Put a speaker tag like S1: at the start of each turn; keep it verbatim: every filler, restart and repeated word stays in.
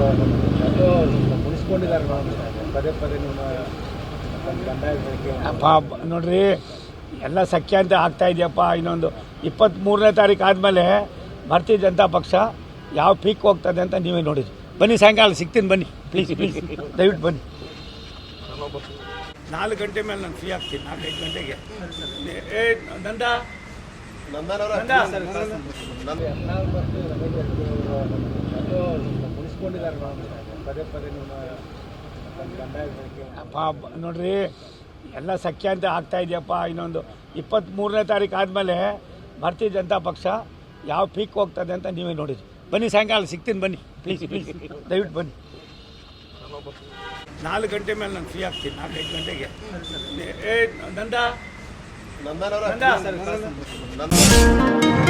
S1: ಯಾಕೋ ಮುನಿಸ್ಕೊಂಡಿದ್ದಾರೆ ಪದೇ ಪದೇ ನಿಮ್ಮ ಬಂಡಾಯ ಹೇಳಿಕೆ.
S2: ಅಪ್ಪ ನೋಡ್ರಿ, ಎಲ್ಲ ಸಖ್ಯ ಅಂತ ಆಗ್ತಾ ಇದೆಯಪ್ಪ. ಇನ್ನೊಂದು ಇಪ್ಪತ್ತ್ಮೂರನೇ ತಾರೀಕು ಆದಮೇಲೆ ಭಾರತೀಯ ಜನತಾ ಪಕ್ಷ ಯಾವ ಪೀಕ್ ಹೋಗ್ತದೆ ಅಂತ ನೀವೇ ನೋಡಿರಿ. ಬನ್ನಿ, ಸಾಯಂಕಾಲ ಸಿಗ್ತೀನಿ, ಬನ್ನಿ ಪ್ಲೀಸ್ ಪ್ಲೀಸ್ ದಯವಿಟ್ಟು ಬನ್ನಿ. ನಾಲ್ಕು ಗಂಟೆ ಮೇಲೆ ನಾನು ಫ್ರೀ ಆಗ್ತೀನಿ, ನಾಲ್ಕೈದು ಗಂಟೆಗೆ. ಏ ನಂದ ನಂದ
S1: ಯತ್ನಾಳ್ ಮತ್ತು ರಮೇಶ್ ಜಾರಕಿಹೊಳಿ ಯಾಕೋ ಮುನಿಸ್ಕೊಂಡಿದ್ದಾರೆ ಪದೇ ಪದೇ ನಿಮ್ಮ ಬಂಡಾಯ ಹೇಳಿಕೆ.
S2: ಅಪ್ಪ ನೋಡ್ರಿ, ಎಲ್ಲ ಸಖ್ಯ ಅಂತ ಆಗ್ತಾ ಇದೆಯಪ್ಪ. ಇನ್ನೊಂದು ಇಪ್ಪತ್ತ್ಮೂರನೇ ತಾರೀಕು ಆದಮೇಲೆ ಭಾರತೀಯ ಜನತಾ ಪಕ್ಷ ಯಾವ ಪೀಕ್ ಹೋಗ್ತದೆ ಅಂತ ನೀವೇ ನೋಡಿರಿ. ಬನ್ನಿ, ಸಾಯಂಕಾಲ ಸಿಗ್ತೀನಿ, ಬನ್ನಿ ಪ್ಲೀಸ್ ಪ್ಲೀಸ್ ದಯವಿಟ್ಟು ಬನ್ನಿ. ನಾಲ್ಕು ಗಂಟೆ ಮೇಲೆ ನಾನು ಫ್ರೀ ಆಗ್ತೀನಿ, ನಾಲ್ಕೈದು ಗಂಟೆಗೆ. ಏ ನಂದ
S1: ನಂದನವರ
S2: ನಂದ